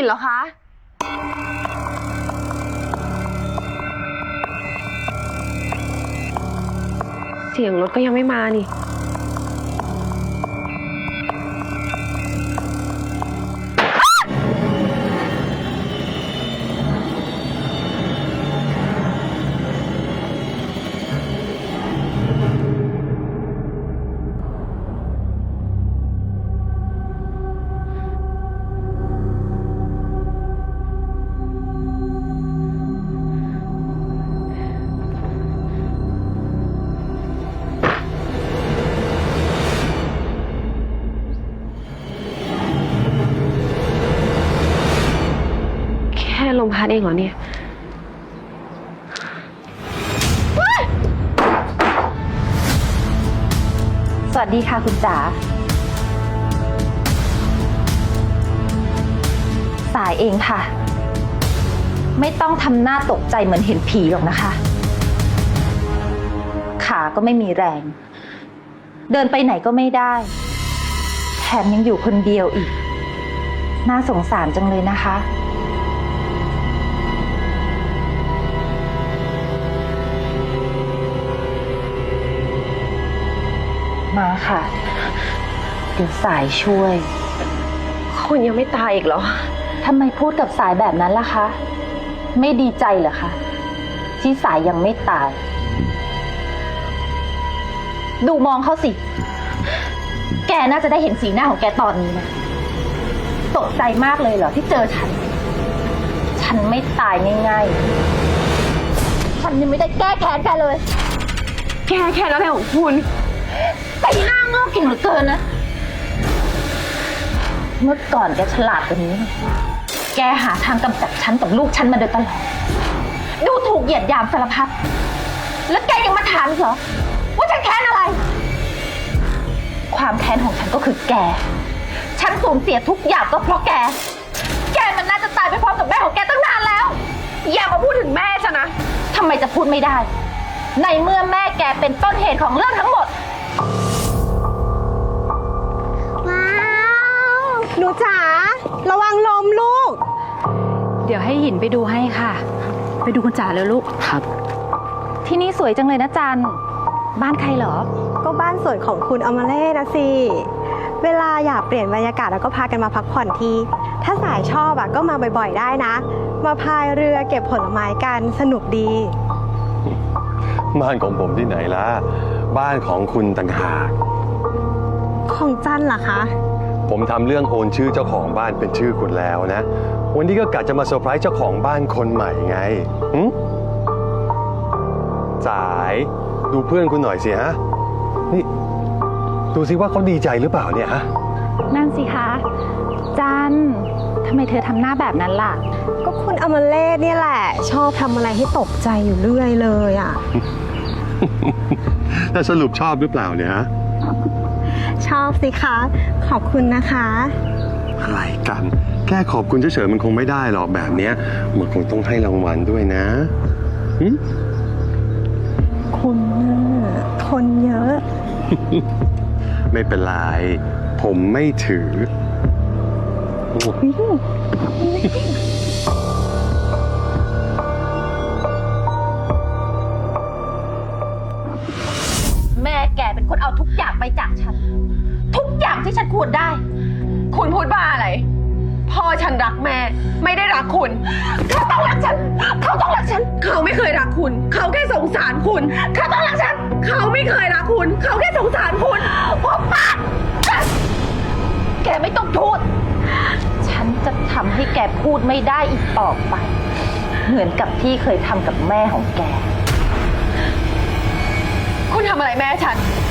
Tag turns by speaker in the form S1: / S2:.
S1: เหรอคะเสียงรถก็ยังไม่มานี่แค่ลมพัดเองเหรอเนี่ย
S2: สวัสดีค่ะคุณจ๋าสายเองค่ะไม่ต้องทำหน้าตกใจเหมือนเห็นผีหรอกนะคะขาก็ไม่มีแรงเดินไปไหนก็ไม่ได้แถมยังอยู่คนเดียวอีกน่าสงสารจังเลยนะคะมาค่ะเดี๋ยวสายช่วย
S1: คุณยังไม่ตายอีกเหรอ
S2: ทำไมพูดกับสายแบบนั้นล่ะคะไม่ดีใจเหรอคะที่สายยังไม่ตายดูมองเขาสิแกน่าจะได้เห็นสีหน้าของแกตอนนี้นะตกใจมากเลยเหรอที่เจอฉันไม่ตายง่ายๆฉันยังไม่ได้แก้แค้นแกเลย
S1: แค่อะไรของคุณ
S2: แต่หน้าโง่เก่งเหลือเกินนะเมื่อก่อนแกฉลาดกว่านี้แกหาทางกำจัดฉันกับลูกฉันมาโดยตลอดดูถูกเหยียดหยามสารพัดแล้วแกยังมาถามเหรอว่าฉันแค้นอะไรความแค้นของฉันก็คือแกฉันสูญเสียทุกอย่างก็เพราะแกมันน่าจะตายไปพร้อมกับแม่ของแกตั้งนานแล้ว
S1: อย่ามาพูดถึงแม่ฉันนะ
S2: ทำไมจะพูดไม่ได้ในเมื่อแม่แกเป็นต้นเหตุของเรื่องทั้งหมด
S3: ว้าวหนูจ๋าระวังลมลูก
S2: เดี๋ยวให้หินไปดูให้ค่ะไปดูคุณจ๋าเลยลูกครับที่นี่สวยจังเลยนะจันบ้านใครเหรอ
S3: ก็บ้านสวนของคุณอมเล่นะสิเวลาอยากเปลี่ยนบรรยากาศแล้วก็พากันมาพักผ่อนทีถ้าสายชอบก็มาบ่อยๆได้นะมาพายเรือเก็บผลไม้กันสนุกดี
S4: บ้านของผมที่ไหนล่ะบ้านของคุณต่างหาก
S3: ของจันเหรอคะ
S4: ผมทำเรื่องโอนชื่อเจ้าของบ้านเป็นชื่อคุณแล้วนะวันนี้ก็กะจะมาเซอร์ไพรส์เจ้าของบ้านคนใหม่ไงสายดูเพื่อนคุณหน่อยสิฮะนี่ดูสิว่าเขาดีใจหรือเปล่าเนี่ยฮะ
S2: นั่นสิคะจันทำไมเธอทำหน้าแบบนั้นล่ะ
S3: ก็คุณอมเล่เนี่ยแหละชอบทำอะไรให้ตกใจอยู่เรื่อยเลยอ่ะ
S4: แต่สรุปชอบหรือเปล่าเนี่ยฮะ
S3: ชอบสิคะขอบคุณนะคะ
S4: อะไรกันแค่ขอบคุณเฉยๆมันคงไม่ได้หรอกแบบเนี้ยมันคงต้องให้รางวัลด้วยนะ
S3: คุณทนเยอะ
S4: ไม่เป็นไรผมไม่ถือ
S2: แม่แกเป็นคนเอาทุกอย่างไปจากฉันทุกอย่างที่ฉันควรได้
S1: คุณพูดบ้าอะไรพ่อฉันรักแม่ไม่ได้รักคุณ
S2: เขาต้องรักฉันเขาต้องรักฉัน
S1: เขาไม่เคยรักคุณเขาแค่สงสารคุณ
S2: เขาต้องรักฉัน
S1: เขาไม่เคยรักคุณเขาแค่สงสารคุณ
S2: หัวปากแกไม่ต้องพูดฉันจะทำให้แกพูดไม่ได้อีกต่อไปเหมือนกับที่เคยทำกับแม่ของแก
S1: คุณทำอะไรแม่ฉัน